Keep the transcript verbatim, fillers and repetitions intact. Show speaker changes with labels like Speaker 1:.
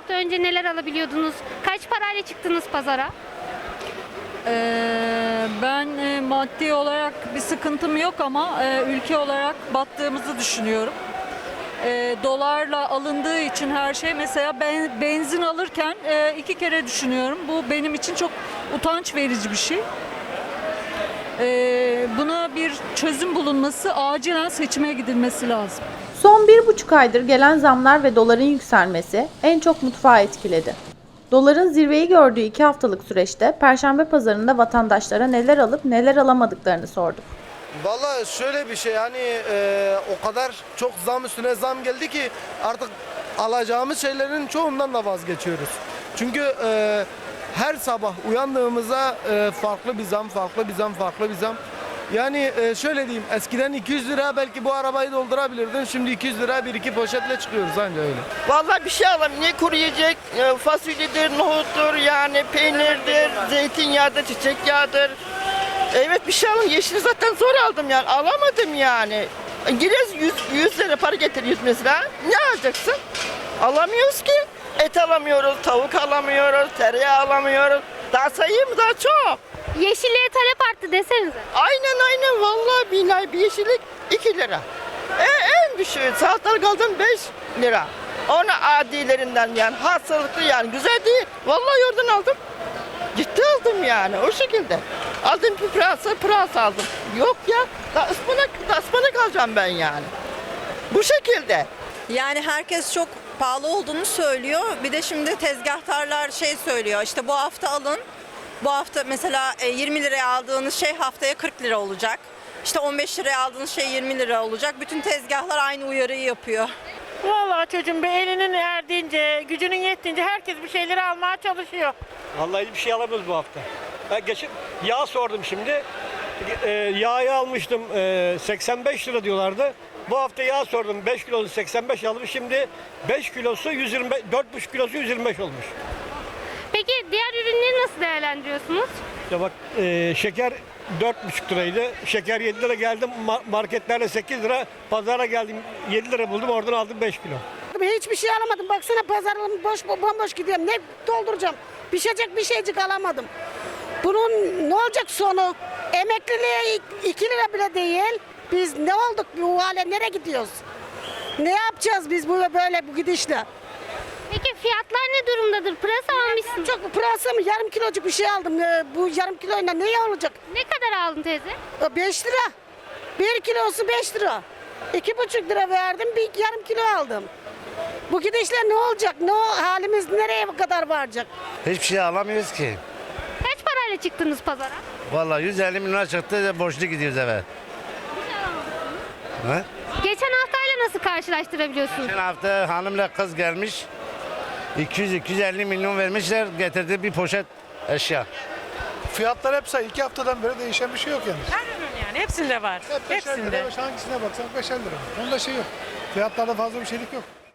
Speaker 1: hafta önce neler alabiliyordunuz? Kaç parayla çıktınız pazara?
Speaker 2: Ee, ben e, maddi olarak bir sıkıntım yok ama e, ülke olarak battığımızı düşünüyorum. E, dolarla alındığı için her şey, mesela ben benzin alırken e, iki kere düşünüyorum. Bu benim için çok utanç verici bir şey. E, buna bir çözüm bulunması, acilen seçime gidilmesi lazım.
Speaker 3: Son bir buçuk aydır gelen zamlar ve doların yükselmesi en çok mutfağı etkiledi. Doların zirveyi gördüğü iki haftalık süreçte Perşembe pazarında vatandaşlara neler alıp neler alamadıklarını sorduk.
Speaker 4: Vallahi şöyle bir şey, hani e, o kadar çok zam üstüne zam geldi ki artık alacağımız şeylerin çoğundan da vazgeçiyoruz. Çünkü e, her sabah uyandığımızda e, farklı bir zam, farklı bir zam, farklı bir zam. Yani e, şöyle diyeyim, eskiden iki yüz lira belki bu arabayı doldurabilirdin. Şimdi iki yüz lira bir iki poşetle çıkıyoruz anca öyle.
Speaker 5: Vallahi bir şey alalım. Ne kuru yiyecek, e, fasulyedir, nohuttur, yani peynirdir, zeytinyağıdır, çiçek yağıdır. Evet bir şey alın. Yeşili zaten zor aldım yani. Alamadım yani. Giriyoruz yüz, yüz lira para getir yüz mesela. Ne alacaksın? Alamıyoruz ki. Et alamıyoruz, tavuk alamıyoruz, tereyağı alamıyoruz. Daha sayayım mı? Daha çok.
Speaker 1: Yeşilliğe talep arttı desenize.
Speaker 5: Aynen aynen vallahi billahi bir yeşillik iki lira. E, en düşüğü salatalık aldım beş lira. Onu adilerinden yani hastalıklı yani güzel değil. Vallahi oradan aldım. Ciddi aldım yani o şekilde. Aldım bir pırasa pırasa aldım. Yok ya da ıspanak, da ıspanak alacağım ben yani. Bu şekilde.
Speaker 6: Yani herkes çok pahalı olduğunu söylüyor. Bir de şimdi tezgahtarlar şey söylüyor. İşte bu hafta alın. Bu hafta mesela e, yirmi liraya aldığınız şey haftaya kırk lira olacak. İşte on beş liraya aldığınız şey yirmi lira olacak. Bütün tezgahlar aynı uyarıyı yapıyor.
Speaker 7: Vallahi çocuğum bir elinin erdiğince, gücünün yettiğince herkes bir şeyleri almaya çalışıyor.
Speaker 8: Vallahi hiçbir şey alamıyoruz bu hafta. Ben geçip yağ sordum şimdi. E, yağı almıştım e, seksen beş lira diyorlardı. Bu hafta yağ sordum beş kilosu seksen beş aldım. Şimdi beş kilosu yüz yirmi beş, dört buçuk kilosu yüz yirmi beş olmuş.
Speaker 1: Peki diğer ürünleri nasıl değerlendiriyorsunuz?
Speaker 8: Ya bak e, şeker dört buçuk liraydı. Şeker yedi lira, geldim marketlerde sekiz lira. Pazara geldim yedi lira buldum, oradan aldım beş kilo.
Speaker 9: Hiçbir şey alamadım. Baksana pazarım boş bomboş gidiyorum. Ne dolduracağım? Pişecek bir şeycik alamadım. Bunun ne olacak sonu? Emekliliğe iki lira bile değil. Biz ne olduk bu hale? Nereye gidiyoruz? Ne yapacağız biz bu böyle bu gidişle?
Speaker 1: Peki fiyatlar ne durumdadır? Pırasa almışsınız.
Speaker 9: Çok pırasa mı? Yarım kilocuk bir şey aldım. Ee, Bu yarım kiloyla ne olacak?
Speaker 1: Ne kadar aldın teyze?
Speaker 9: Beş lira. Bir kilosu beş lira. İki buçuk lira verdim, bir yarım kilo aldım. Bu gidişle ne olacak? Ne o- halimiz nereye kadar varacak?
Speaker 10: Hiçbir şey alamıyoruz ki.
Speaker 1: Kaç parayla çıktınız pazara?
Speaker 10: Vallahi yüz elli milyon çıktı, borçlu gidiyoruz eve. Ha?
Speaker 1: Geçen haftayla nasıl karşılaştırabiliyorsunuz?
Speaker 10: Geçen hafta hanımla kız gelmiş. iki yüz iki yüz elli milyon vermişler, getirdi bir poşet eşya.
Speaker 11: Fiyatlar hep say. iki haftadan beri değişen bir şey yok yani.
Speaker 7: Her ürün yani hepsinde var.
Speaker 11: Hep beşer
Speaker 7: Hepsinde.
Speaker 11: lira, hangisine baksan beşer lira. Onda şey yok. Fiyatlarda fazla bir şeylik yok.